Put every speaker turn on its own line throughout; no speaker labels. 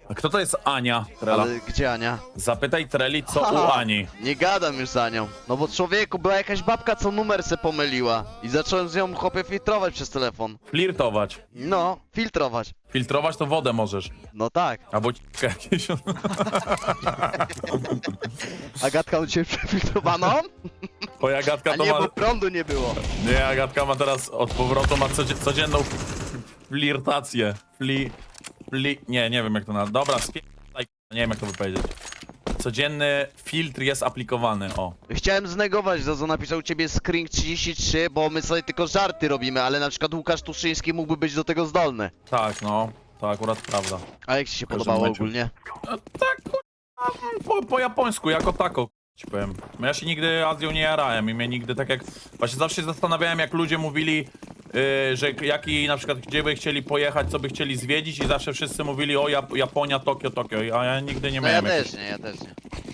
A kto to jest Ania, Trela?
Ale gdzie Ania?
Zapytaj Treli, co u Ani.
Nie gadam już za nią. No bo człowieku, była jakaś babka, co numer se pomyliła. I zacząłem z nią chłopie filtrować przez telefon.
Flirtować.
No, filtrować.
Filtrować to wodę możesz.
No tak.
Albo jakieś...
Agatka u ciebie przefiltrowaną?
Twoja Agatka
A
to
nie,
ma...
bo prądu nie było.
Nie, Agatka ma teraz od powrotu, ma codzienną flirtację. Nie wiem jak to nazwać. Dobra, nie wiem jak to wypowiedzieć. Codzienny filtr jest aplikowany, o.
Chciałem znegować to, co napisał u ciebie Screen 33, bo my sobie tylko żarty robimy, ale na przykład Łukasz Tuszyński mógłby być do tego zdolny.
Tak, no. To akurat prawda.
A jak ci się
każdym
podobało
meczu.
ogólnie?
No, tak, po japońsku, jako tako, ci powiem. Ja się nigdy Azją nie jarałem i mnie nigdy tak jak... Właśnie zawsze się zastanawiałem, jak ludzie mówili, że jaki na przykład, gdzie by chcieli pojechać, co by chcieli zwiedzić i zawsze wszyscy mówili o Japonia, Tokio, a ja nigdy nie
No ja
miałem
też
jakichś...
nie, ja też nie.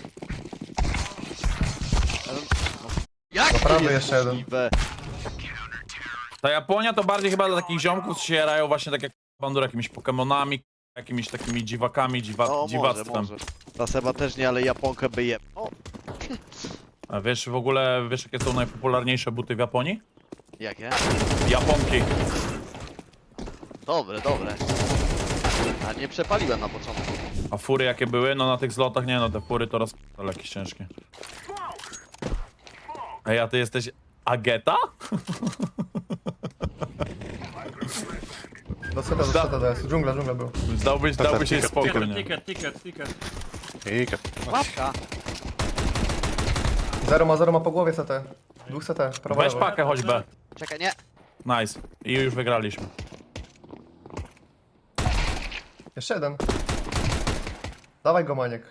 Jak to
prawy
jest
jeszcze jeden.
możliwe?
Ta Japonia to bardziej chyba dla takich ziomków, co się jarają właśnie tak jak Bandur, jakimiś Pokemonami, jakimiś takimi dziwakami,
O,
dziwactwem.
może. Ta Seba też nie, ale Japonkę by je... O,
A wiesz w ogóle, wiesz jakie są najpopularniejsze buty w Japonii?
jakie?
Japonki.
Dobre. A nie przepaliłem na początku.
A fury jakie były? No na tych zlotach nie no, te fury to ale jakieś ciężkie. Ej, a ty jesteś Ageta?
Do seta DS. Dżungla był.
Dałbyś jej spokój, nie?
Ticket.
Łapka.
Zero ma po głowie CT. Dwóch CT, prawo
Weź
lewo.
pakę choćby.
Czekaj, nie.
Nice. I już wygraliśmy.
Jeszcze jeden. Dawaj go, Maniek.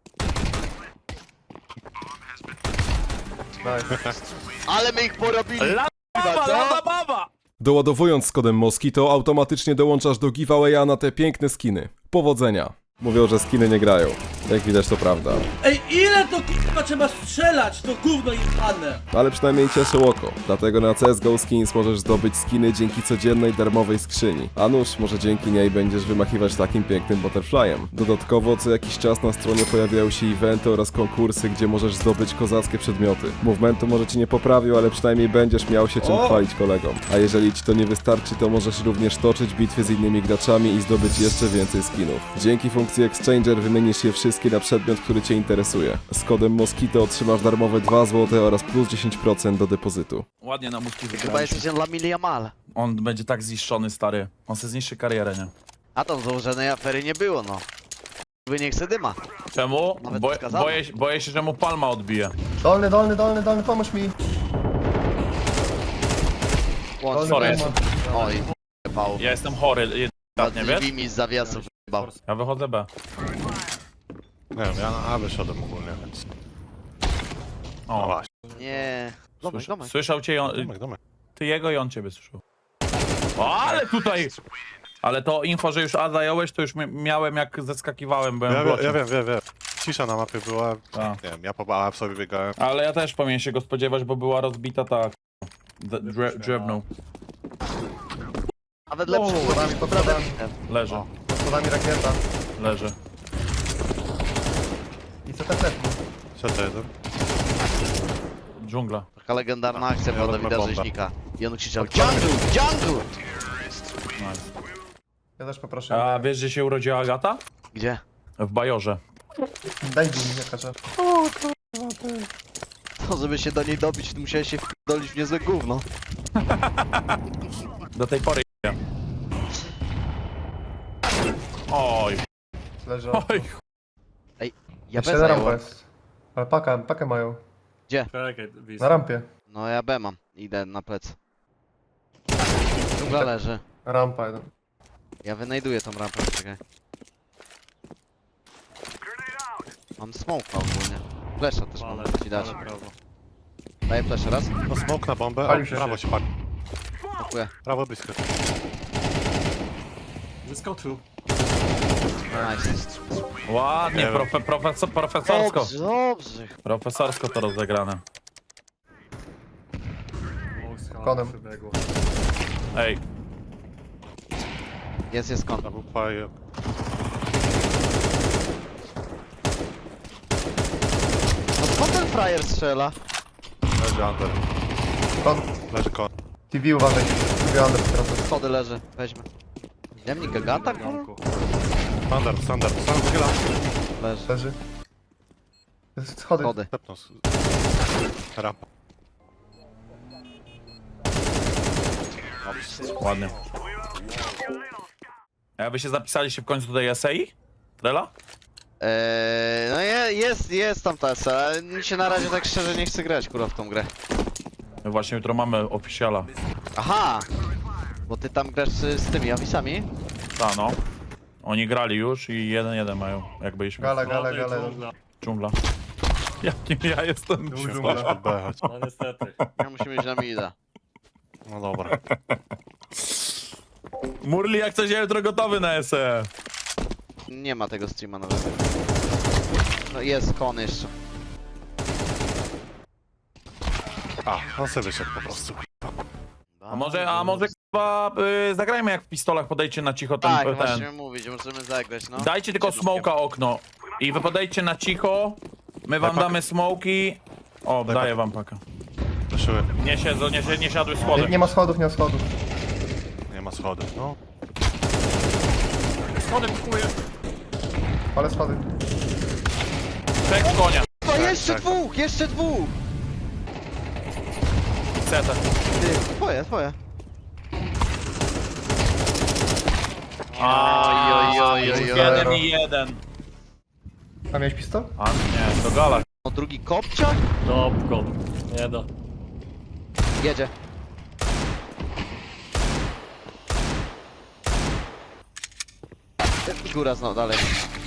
Nice.
Ale my ich porobili.
Lada baba!
Doładowując z kodem Moskito automatycznie dołączasz do giveawaya na te piękne skiny. Powodzenia! Mówią, że skiny nie grają. Jak widać to prawda.
Ej, ile to k***a trzeba strzelać, to gówno jebane!
Ale przynajmniej cieszy oko. Dlatego na CSGO Skins możesz zdobyć skiny dzięki codziennej darmowej skrzyni. A nuż, może dzięki niej będziesz wymachiwać takim pięknym butterflyem. Dodatkowo co jakiś czas na stronie pojawiają się eventy oraz konkursy, gdzie możesz zdobyć kozackie przedmioty. Movementu może ci nie poprawił, ale przynajmniej będziesz miał się czym chwalić kolegom. A jeżeli ci to nie wystarczy, to możesz również toczyć bitwy z innymi graczami i zdobyć jeszcze więcej skinów. Dzięki funkcji Exchanger wymienisz je wszystkie na przedmiot, który cię interesuje. Z kodem Moskito otrzymasz darmowe 2 zł oraz plus 10% do depozytu.
Ładnie na muszki
Chyba
wygraliśmy.
jesteś Lamil Jamal.
On będzie tak zniszczony, stary. On se zniszczy karierę, nie?
A tam założonej afery nie było, no. Wy nie chce dyma.
Czemu?
Nawet
Bo,
wskazano.
boję się, że mu palma odbije.
Dolny, pomóż mi.
Łącz.
Sorry.
Dolny,
Oj, jebał.
Ja jestem chory,
Nad
nie wiesz?
drzwi z zawiasów jebał.
Ja wychodzę B.
Nie wiem, ja na A wyszedłem ogólnie, więc... No
O,
właśnie,
Nie. Domek.
słyszał cię
domek.
ty jego i on ciebie słyszał. O, ale tutaj! Ale to info, że już A zająłeś, to już miałem jak zeskakiwałem, byłem w
Ja
blocie.
wiem. Cisza na mapie była,
Tak.
nie wiem, ja po A sobie biegałem.
Ale ja też powinien się go spodziewać, bo była rozbita ta... Drewno.
Nawet lepszy
schodami, pod schodami.
Leży,
Pod schodami rakieta.
leży.
I CT też.
Co to jeden?
Dżungla.
Taka legendarna akcja
Ja
była
wezmę
Dawida
bombę.
Rzeźnika. I on krzyczał Jungle!
Nice.
Ja też poproszę.
A wiesz, gdzie się urodziła Agata?
Gdzie?
W Bajorze.
Daj mi, nie każe.
To żeby się do niej dobić, to musiałeś się wdolić w niezłe gówno.
Do tej pory nie. Oj,
Leży.
oj.
Ja
Jeszcze
B
na rampa
zająłem.
jest. Ale pakę mają.
Czekaj,
Na rampie.
No ja B mam. Idę na plec. Dżungla leży.
Rampa jeden.
Ja wynajduję tą rampę, czekaj. Mam smoke ogólnie. Flesza też mam ci dać. Daję fleszę raz.
No smok na bombę,
Palił
o,
się
prawo
się.
się pali.
Dziękuję.
Prawo blisko.
Zyskał tu.
Nice.
Ładnie,
Nie wiem.
profesorsko.
Dobrze.
Profesorsko to rozegrane.
Konem.
Ej,
Jest kąt.
Prawo paje.
frajer strzela?
Leży under.
Kon.
Leży kon.
TV uważaj. TV under teraz.
Schody leży, weźmy. Jamnik Gagata, kurwa?
Standard, chyla.
Leży.
Leży. Schody.
Schody.
Stepnął. Rampa.
Ładnie. A wy się zapisaliście w końcu do tej SEI? Trela?
No jest tam ta SE, ale mi się na razie tak szczerze nie chce grać, kurwa, w tą grę.
My właśnie jutro mamy oficjala.
Aha! Bo ty tam grasz z tymi awisami?
Ta no. Oni grali już i 1-1 mają, jak byliśmy.
Gala, gala, gala.
Dżungla. Jakim ja jestem?
Dżungla.
Pod B, chodź.
No niestety.
Ja musimy iść na mida.
No dobra.
Murli, jak coś, ja jutro gotowy na SE.
Nie ma tego streama nowego. No jest kon jeszcze.
A, on sobie wyszedł po prostu.
A może chyba zagrajmy jak w pistolach, podejdźcie na cicho ten,
Tak,
ten.
właśnie mówić, możemy zagrać, no.
Dajcie tylko smoka okno. I wy podejdźcie na cicho. My wam
Daj
damy smoki. O,
Daj
daję
pakę.
wam pakę.
Leszyły.
Nie siedzą, nie siadły schody.
Nie ma schodów, nie ma schodów.
Nie ma schodów, no.
Schody kupuję.
Ale schody.
Tek konia.
To jeszcze
tak.
dwóch, jeszcze dwóch!
Ceta.
Ty, twoje.
oj.
1-1.
A miałeś pistol?
A nie, to gala.
O, drugi kopciak?
Dobko. Nie da.
Jedzie. Góra znowu, dalej.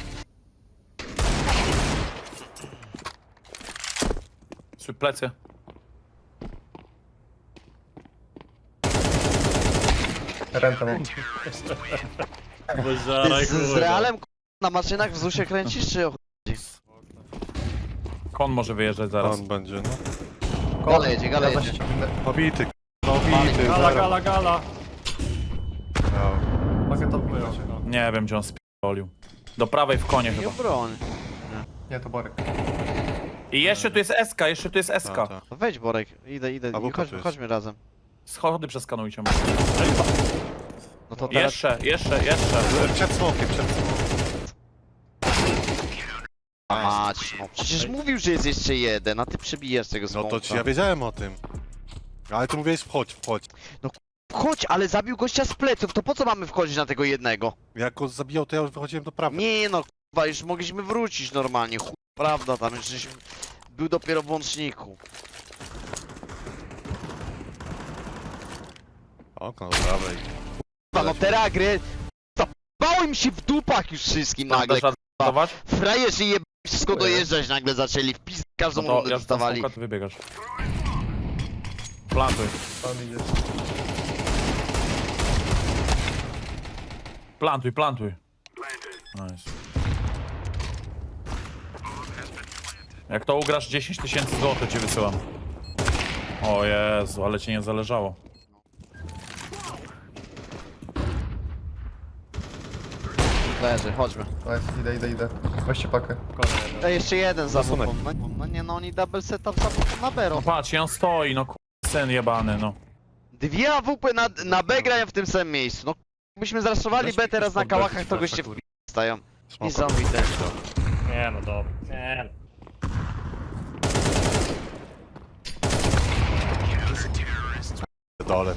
Trzy plecy.
Rentę mam.
Bo
Ty
żaraj,
z Realem na maszynach w ZUSie kręcisz, czy o chuj?
Kon może wyjeżdżać zaraz.
On będzie, no.
Gala jedzie, gala
Ja
jedzie.
zaś-
Pobity, pobity.
Gala.
No.
Mogę to
Nie wiem, gdzie on spiolił. Do prawej w konie
Nie
chyba.
broń.
Nie, to Borek.
I jeszcze tu jest SK, jeszcze tu jest SK.
Ta, ta.
No wejdź Borek, idę.
A Buka tu
Chodźmy,
jest.
chodźmy razem.
Schody przeskanujcie.
No to teraz...
Jeszcze.
Przed smokiem.
Mać, no przecież mówił, że jest jeszcze jeden, a ty przebijasz tego
No
smoka.
to ci ja wiedziałem o tym. Ale ty mówiłeś wchodź.
Chodź, ale zabił gościa z pleców, to po co mamy wchodzić na tego jednego?
Jak go zabijał, to ja już wychodziłem do prawej.
Nie no, k***wa, już mogliśmy wrócić normalnie, chuj, prawda, tam już żeś był dopiero w łączniku.
Okno do prawej.
K***wa, no te ragry, zabało im się w dupach już wszystkim nagle,
Dasz radować?
frajerzy je wszystko dojeżdżać nagle zaczęli, w pizd każdą
No to
rundę
ja
dostawali.
ty wybiegasz. Plantuj.
Tam idzie.
Plantuj. Nice. Jak to ugrasz 10 000 złotych ci wysyłam. O Jezu, ale ci nie zależało.
Leży, chodźmy.
Nice, idę. Weźcie pakę.
Ej, jeszcze jeden za
Zasunek.
bupą. No nie, no oni double setup za bupą na Bero.
No patrz, i on stoi, no syn jebany, no.
Dwie AWP na B grają w tym samym miejscu. No byśmy zraszowali B teraz na kałachach, to goście w stają. Niesamowite.
Nie no dobra. Nie no.
Dole.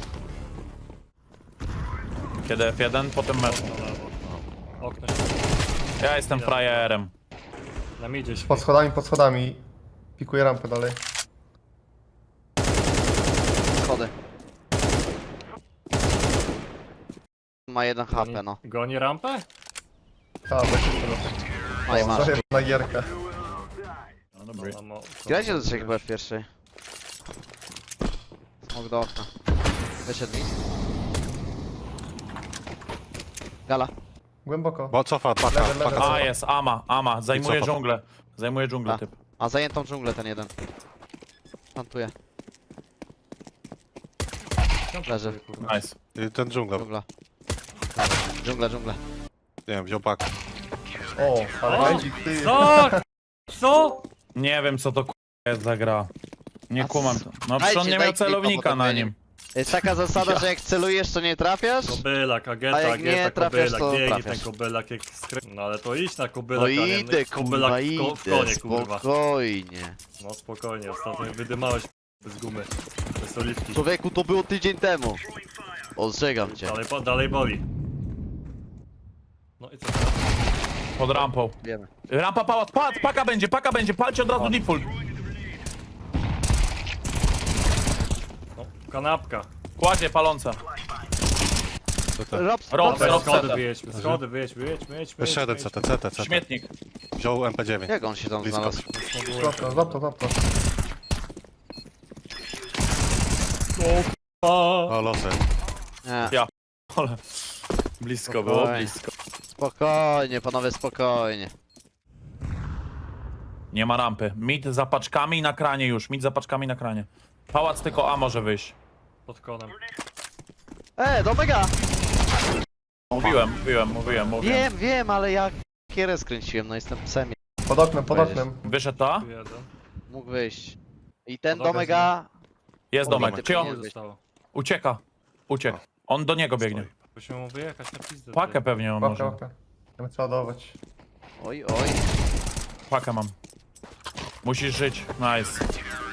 Kiedy F1, potem mecz.
Na lewo. Okno się.
Ja jestem frajerem.
Na midzie się.
Pod schodami. Pikuję rampę dalej.
Schody. Ma 1 HP, no.
Goni rampę?
Tak, weźcie to.
No i masz.
Na gierkę.
No dobry.
Grajcie do 3 chyba w pierwszej. Smok do okna. Wyszedł mi. Gala.
Głęboko.
Bo cofa, paka,
Leży, leży.
paka.
A jest, Ama. Zajmuje
I co?
dżunglę. Zajmuje dżunglę
A.
typ.
A zajętą dżunglę ten jeden. Plantuje. Leży.
Nice.
I ten dżungla,
Dżungla. Dżungla.
nie wiem, wziął pakę.
O, ale
O!
będzie ty.
Co? Co?
Nie wiem co to jest za gra? Nie
A
kumam
c-
to. No przecież on nie miał
dajcie
celownika
potem
na
będzie.
nim.
Jest taka zasada, że jak celujesz, to nie trafiasz?
Kobylak,
A
agenta,
jak nie
agenta,
trafiasz,
kobylak,
to
biegnie
trafiasz.
ten kobylak jak No ale to idź na kobylak,
No
a nie
idę,
kobylak
kurwa,
w konie,
idę,
kurwa.
spokojnie.
No spokojnie, ostatnio mnie wydymałeś bez gumy, bez oliwki.
Człowieku, to było tydzień temu. Ostrzegam cię.
Dalej boli. No i co teraz?
Pod rampą.
Wiemy.
Rampa pałac, pałac, paka będzie, palcie od razu default.
No, kanapka.
Kładzie paląca.
Rob,
Rob,
Dobra,
Rob,
schody
CT.
wyjedźmy, schody wyjedźmy.
Jeszcze jeden CT.
Śmietnik.
Wziął MP9.
Jak on się tam
Blisko.
znalazł?
Złap to.
O, losy.
Nie.
Ale blisko było,
Spokojnie.
blisko.
Spokojnie, panowie, spokojnie.
Nie ma rampy. Mid za paczkami na kranie już, mid za paczkami na kranie. Pałac tylko A może wyjść.
Pod konem.
Do mega!
Mówiłem.
Wiem, ale ja kierę skręciłem, no jestem psem.
Pod oknem.
Wyszedł to?
Tu jeden.
Mógł wyjść. I ten
Dobra,
do mega...
Jest
Obity
domek. Czy on
powinien być.
Zostało.
ucieka? Uciekł. On do niego biegnie.
Musimy mu wyjechać na pizdę.
Pakę pewnie on może.
Łapkę. Chcemy przeładować.
Oj.
Pakę mam. Musisz żyć. Nice.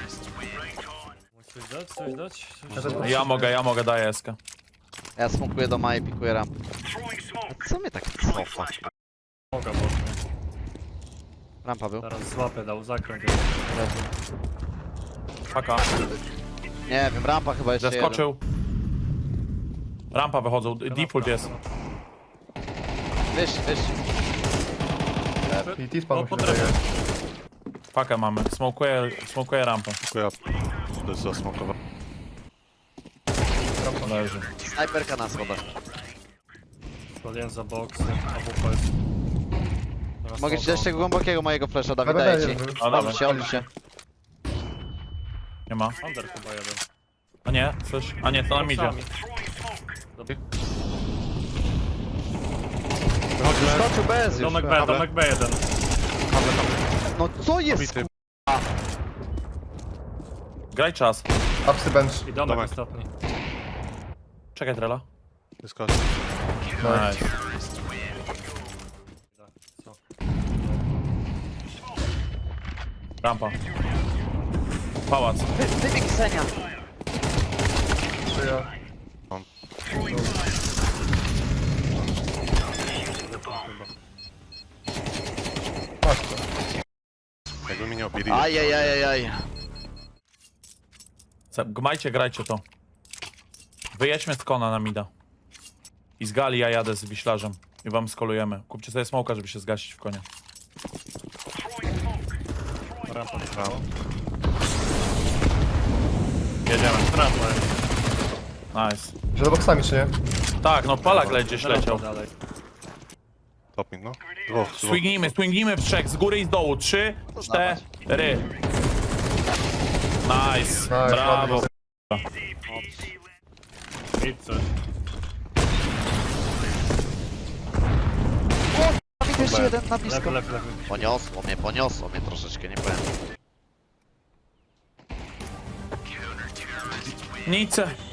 Coś dać? Coś dać?
Ja
Coś
też-
dać?
Ja mogę, daję eskę.
Ja smokuję do Maja, pikuję rampę. A co mnie tak cofa?
Mogę mocno.
Rampa był?
Teraz złapę, dał zakręt.
Paka.
Nie wiem, rampa chyba jeszcze
Zeskoczył. Rampa wychodzą. Default jest.
Wyż.
PT spadł się
po
wydaje.
Pakę mamy. Smokuję rampę.
Dziękuję. To jest zasmokowa.
Leży.
Snajperka na schodach.
Spaliłem za boksy, AWP jest. Teraz
Mogę ci
smoka.
dać tego głębokiego mojego flasha, Dawid,
Dobra,
daję
jeden
ci.
był.
A dobra.
Odli się.
Nie ma.
Under chyba jeden.
A nie, coś. A nie, to nam idzie.
Boksami.
Skoczył bez już.
Domek B1.
No co jest?
Bity.
Graj czas.
Upsy bench.
I domek
Domek.
ostatni.
Czekaj, Trela.
Wyskoczy.
Nice.
Co?
Rampa. Pałac.
Wybieg Senia.
Czyja? Masz to.
Jakby mi nie obili.
Ajajajajaj.
Gmajcie, grajcie to. Wyjedźmy z kona na mida. I z gali ja jadę z wiślarzem. I wam skolujemy. Kupcie sobie smoka, żeby się zgasić w konie.
Rampa prawo.
Jedziemy.
Rampa.
Nice.
Że do boksami czy nie?
Tak, no palak gdzieś leciał.
Dalej.
Top mid, no. Dwóch.
Swingnijmy w trzech, z góry i z dołu. 3, 4. Nice. Brawo.
ładnie.
I coś.
Dawid jeszcze jeden na blisko.
Lewy.
Poniosło mnie troszeczkę, nie powiem.
Nic.